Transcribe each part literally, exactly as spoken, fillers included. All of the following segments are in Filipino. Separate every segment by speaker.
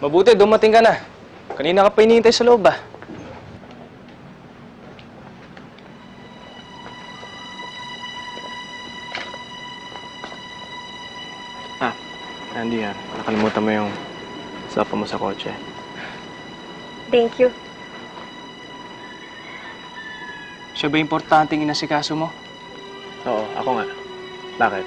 Speaker 1: Mabuti, dumating ka na. Kanina ka pa hinihintay sa loob, ah. Ah, Andy, ah. Nakalimutan mo yung sapa mo sa kotse.
Speaker 2: Thank you.
Speaker 1: Siya ba importanteng inasikaso mo?
Speaker 3: Oo, ako nga. Bakit?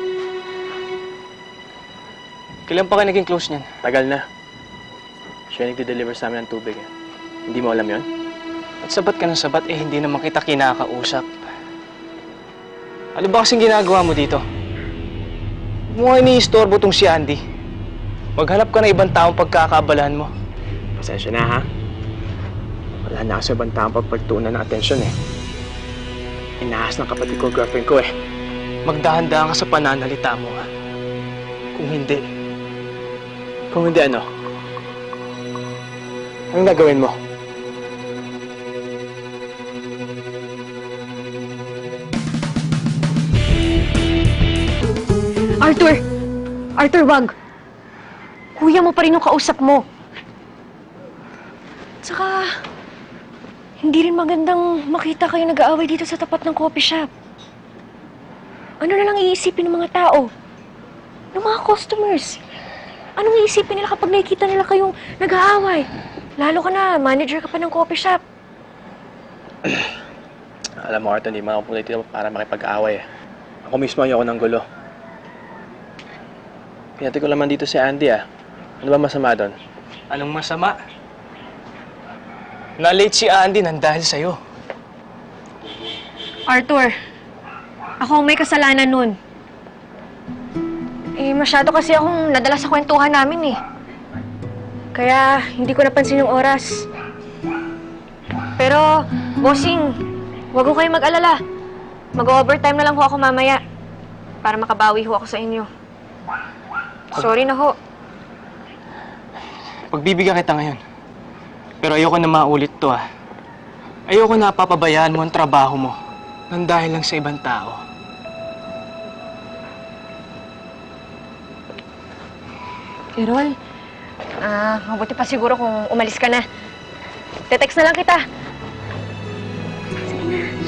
Speaker 1: Kailan pa kayo naging close niyan?
Speaker 3: Tagal na. Siya yung nagde-deliver sa amin ng tubig eh. Hindi mo alam yon?
Speaker 1: At sabat ka ng sabat, eh hindi naman kita kinakausap. Ano ba kasing ginagawa mo dito? Huwag mo nga iniistorbo tong si Andy. Maghanap ka na ibang taong pagkakaabalahan mo.
Speaker 3: Pasensya na ha. Wala na kasi ibang taong pagpagtuunan ng atensyon eh. Inahas ng kapatid ko, girlfriend ko eh.
Speaker 1: Magdahan-dahan ka sa pananalita mo, ha? Kung hindi,
Speaker 3: Kung hindi ano? Anong gagawin mo?
Speaker 2: Arthur! Arthur, wag! Kuya mo pa rin yung kausap mo. Tsaka, hindi rin magandang makita kayo nag-aaway dito sa tapat ng coffee shop. Ano na lang iisipin ng mga tao? Ng mga customers? Anong iisipin nila kapag nakikita nila kayong nag-aaway? Lalo ka na, manager ka pa ng coffee shop.
Speaker 3: Alam mo, Arthur, hindi mo ako pulit dito para makipag-away eh. Ako mismo ayoko ng gulo. Pinati ko naman dito si Andy ah. Ano ba masama doon?
Speaker 1: anong masama? Na-late si Andy nang dahil sa'yo.
Speaker 2: Arthur, ako ang may kasalanan nun. Eh, masyado kasi akong nadala sa kwentuhan namin eh. Kaya, hindi ko napansin yung oras. Pero, bossing, huwag ko kayo mag-alala. Mag-overtime na lang ho ako mamaya para makabawi ho ako sa inyo. Sorry na ho.
Speaker 1: Pagbibigyan kita ngayon. Pero ayoko na maulit to, ah. Ayoko na papabayaan mo ang trabaho mo nang dahil lang sa ibang tao.
Speaker 2: Errol, ah, mabuti pa siguro kung umalis ka na. Te-text na lang kita. Sige na.